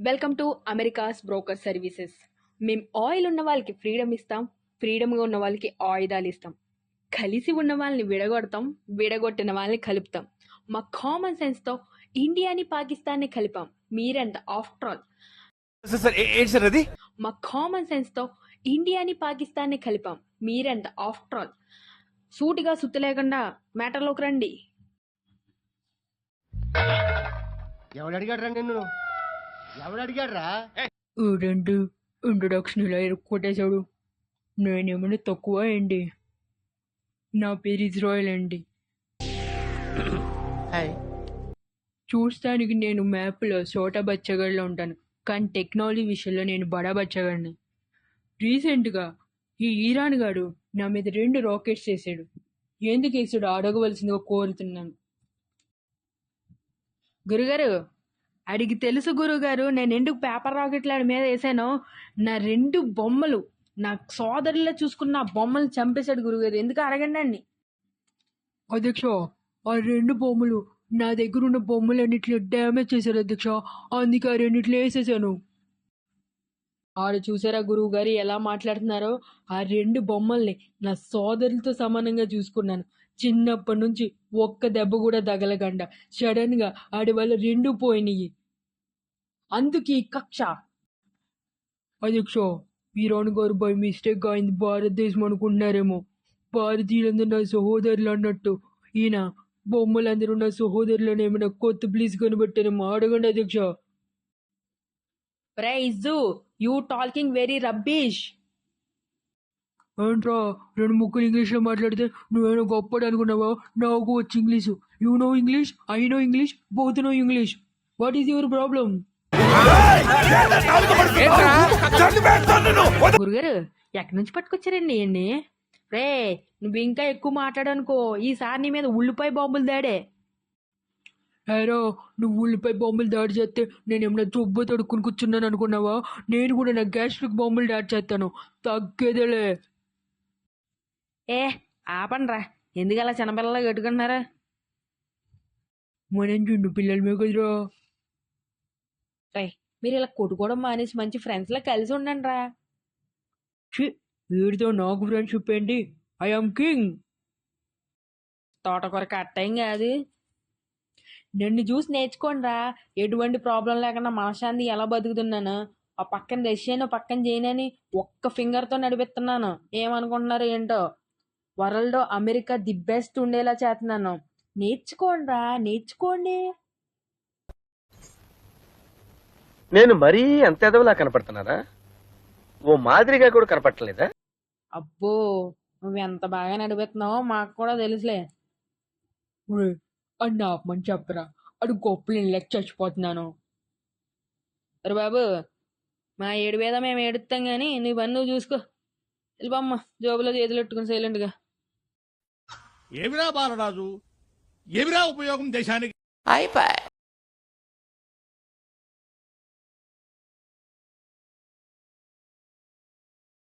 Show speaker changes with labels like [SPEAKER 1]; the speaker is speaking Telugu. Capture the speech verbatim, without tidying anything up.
[SPEAKER 1] Welcome to America's broker services. మేము ఆయిల్ ఉన్న వాళ్ళకి ఫ్రీడమ్ ఇస్తాం, ఫ్రీడమ్గా ఉన్న వాళ్ళకి ఆయుధాలు ఇస్తాం. కలిసి ఉన్న వాళ్ళని విడగొడతాం, విడగొట్టిన వాళ్ళని కలుపుతాం. మా కామన్ సెన్స్తో ఇండియాని పాకిస్తాన్ని కలిపాం. మీరెంత ఆఫ్టర్ ఆల్ మా కామన్ సెన్స్తో ఇండియాని పాకిస్తాన్ని కలిపాం. మీరెంత ఆఫ్టర్ ఆల్. సూటిగా సుత్తి లేకుండా మ్యాటర్లోకి రండి.
[SPEAKER 2] ఎవడు అడిగాడు రా నిన్ను? ఎవడు అడిగాడు రా?
[SPEAKER 1] రెండు ఇంట్రొడక్షన్ ఇలా కొట్టేశాడు. నేనేమైనా తక్కువ అండి? నా పేరు ఇజ్రాయల్ అండి. చూస్తానికి నేను మ్యాప్లో చోటా బచ్చగడ్లో ఉంటాను, కానీ టెక్నాలజీ విషయంలో నేను బడా బచ్చగడిని. రీసెంట్గా ఈ ఈరాన్ గాడు నా మీద రెండు రాకెట్స్ వేసాడు. ఎందుకు వేసాడు అడగవలసిందిగా కోరుతున్నాను. గురుగారు, అడిగి తెలుసు గురుగారు, నేను ఎందుకు పేపర్ రాకెట్లు ఆడి మీద వేసానో. నా రెండు బొమ్మలు నా సోదరుల్లో చూసుకున్న బొమ్మలు చంపేశాడు గురుగారు. ఎందుకు అడగండి అండి. అధ్యక్ష, ఆ రెండు బొమ్మలు నా దగ్గర ఉన్న బొమ్మలు అన్నిట్లో డ్యామేజ్ చేశారు అధ్యక్ష, అందుకే ఆ రెండిట్లో వేసేసాను. ఆడు చూసారా గురువు గారు ఎలా మాట్లాడుతున్నారో? ఆ రెండు బొమ్మల్ని నా సోదరులతో సమానంగా చూసుకున్నాను. చిన్నప్పటి నుంచి ఒక్క దెబ్బ కూడా తగలకుండా సడన్ గా ఆడి వల్ల రెండు పోయినాయి. అందుకే కక్ష. అధ్యక్ష, ఈరాన్ గారు బై మిస్టేక్ అయింది భారతదేశం అనుకుంటున్నారేమో. భారతీయులందరూ నా సహోదరులు అన్నట్టు ఈయన బొమ్మలందరూ నా సహోదరులను ఏమైనా కొత్త ప్లీజ్ కనిపెట్టారేమో అడగండి అధ్యక్ష. Prize you talking very rubbish. ఏంట్రా రెండు ముక్కలు ఇంగ్లీష్లో మాట్లాడితే నువ్వేమో గొప్పడు అనుకున్నావా? నాకు వచ్చి English. You know English, I know English, both know English. What is your problem? గురుగారు, ఎక్కడి నుంచి పట్టుకొచ్చారండి ఇవన్నీ? రే, నువ్వు ఇంకా ఎక్కువ మాట్లాడనుకో, ఈసారి నీ మీద ఉల్లిపాయ బాంబులు దాడే. హేరో, నువ్వు ఉల్లిపాయ బాంబులు దాడి చేస్తే నేను ఏమైనా జబ్బు తడుక్కుని కూర్చున్నాను అనుకున్నావా? నేను కూడా నా గ్యాస్ట్రిక్ బాంబులు దాడి చేస్తాను, తగ్గేదేలే. ఏ ఆపండ్రా, ఎందుకు అలా చిన్నపిల్లలా కట్టుకుంటున్నారా? మనం చిన్న పిల్లలమే కదరా. మీరు ఇలా కొట్టుకోవడం మానేసి మంచి ఫ్రెండ్స్లా కలిసి ఉండండి రా. వీడితో నాకు ఫ్రెండ్షిప్ ఏంటి? I am king. తోటకూర కట్టం కాదు. నన్ను చూసి నేర్చుకోండి రా. ఎటువంటి ప్రాబ్లం లేకుండా మనశాంతి ఎలా బతుకుతున్నాను. ఆ పక్కన రష్యాను పక్కన చేయనని ఒక్క ఫింగర్తో నడిపిస్తున్నాను. ఏమనుకుంటున్నారు ఏంటో? వరల్డ్ అమెరికా ది బెస్ట్ ఉండేలా చేస్తున్నాను. నేర్చుకోండి రా, నేర్చుకోండి.
[SPEAKER 2] నేను మరీ అంత ఎదవలా కనపడుతున్నారా? ఓ మాదిరిగా కూడా కనపడలేదా?
[SPEAKER 1] అబ్బో, నువ్వు ఎంత బాగా నడిపిస్తున్నావో మాకు కూడా తెలుసులే. అన్న ఆపమని చెప్పరా, అడు గొప్పలు లెక్క చచ్చిపోతున్నాను. అరే బాబు, మా ఏడు వేద మేము ఏడుస్తాం కానీ నీ పని నువ్వు చూసుకో. వెళ్ళిపోమ్మ, జోబులో చేతులు పెట్టుకుని సైలెంట్గా.
[SPEAKER 3] ఏమిరా బాలరాజు, ఏమిరా ఉపయోగం దేశానికి?
[SPEAKER 4] అయిపోయి